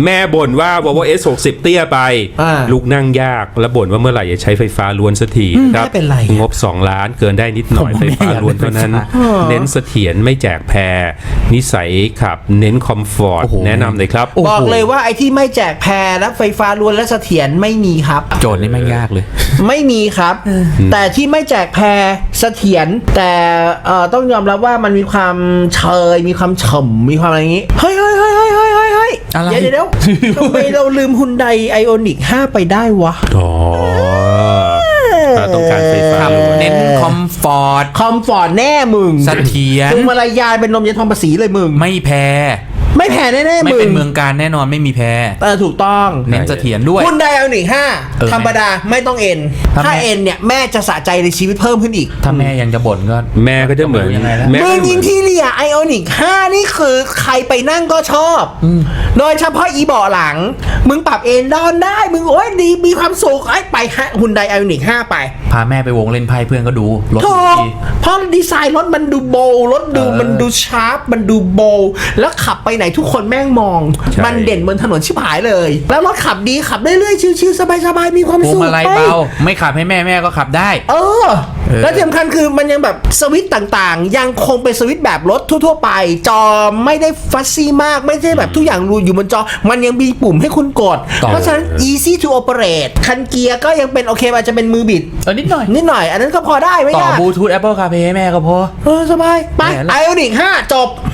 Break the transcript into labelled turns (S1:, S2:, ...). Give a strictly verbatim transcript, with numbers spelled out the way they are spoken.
S1: แม่บ่นว่า Volvo เอส หกสิบ เตี้ยไปลูกนั่งยากแล้วบ่นว่าเมื่อไหร่จะใช้ไฟฟ้าล้วนสักทีครับงบสองล้านเกินได้นิดหน่อยไฟฟ้าล้วนเท่านั้นเน้นเสถียรไม่แจกแพรนิสัยขับเน้นคอมฟอร์ตแนะนำเลยครับ
S2: บอกเลยว่าไอ้ที่ไม่แจกแพรและไฟฟ้าล้วนและเสถียรไม่มีครับ
S3: โจทย์นี่ไม่ยากเลย
S2: ไม่มีครับแต่ที่ไม่แจกแพรเสถียรแต่ต้องยอมรับว่ามันมีความเชยมีความฉ่ำมีความอะไรอย่างนี้เฮ้ยเฮ้ยเฮ้ยเฮ้ยเฮ้ยเฮ้ยเฮ้ยเดี๋ยวเดี๋ยวทำไมเราลืมฮุนไดไอออนิกห้าไปได้วะ
S1: อ๋อต้องการไฟฟ้า
S3: เน้นคอมฟอร์ต
S2: คอมฟอร์ตแน่มึง
S3: เสถียร
S2: มึงมารยาเป็นลมยาทองภาษีเลยมึง
S3: ไม่แพ้
S2: ไม่แพ้แน่ๆมึง
S3: ไม่เป็นเมืองการแน่นอนไม่มีแพ้
S2: เออถูกต้อง
S3: เน้นเสถียรด้วย
S2: คุณไดเอาหนึ่งห้าธรรมดาไม่ต้องเอ็นถ้าเอ็นเนี่ยแม่จะสะใจในชีวิตเพิ่มขึ้นอีก
S3: ถ้าแม่ยังจะบ่นก็
S1: แม่ก็จะเหมือน
S2: เมืองอินทีเรียไอออนิกห้านี่คือใครไปนั่งก็ชอบโดยเฉพาะอีเบาะหลังมึงปรับเอนดอนได้มึงโอ้ยดีมีความสุขไอ้ไปคุณไดไอออนิกห้าไป
S3: พาแม่ไปวงเล่นไพ่เพื่อนก็ดูรถดี
S2: เพราะดีไซน์รถมันดูโบว์รถดูมันดูชาร์ปมันดูโบว์แล้วขับไปไหนทุกคนแม่งมองมันเด่นบนถนนชิบหายเลยแล้วรถขับดีขับเรื่อยๆชิวๆสบายๆมีความสุข
S3: พวงมาลัยเบาไม่ขับให้แม่แม่ก็ขับได้
S2: เออแล้วที่สำคัญคือมันยังแบบสวิตช์ต่างๆยังคงเป็นสวิตช์แบบรถทั่วๆไปจอไม่ได้ฟัซซี่มากไม่ใช่แบบทุกอย่างรูอยู่บนจอมันยังมีปุ่มให้คุณกดเพราะฉะนั้น easy to operate คันเกียร์ก็ยังเป็นโอเคอาจจะเป็นมือบิด
S3: เออนิดหน่อย
S2: นิดหน่อยอันนั้นก็พอได้ไม่ยาก
S3: ต่อบลูทูธ Apple CarPlay ให้แม่ก็พอ
S2: เออสบายไปไอออนิกห้าจบ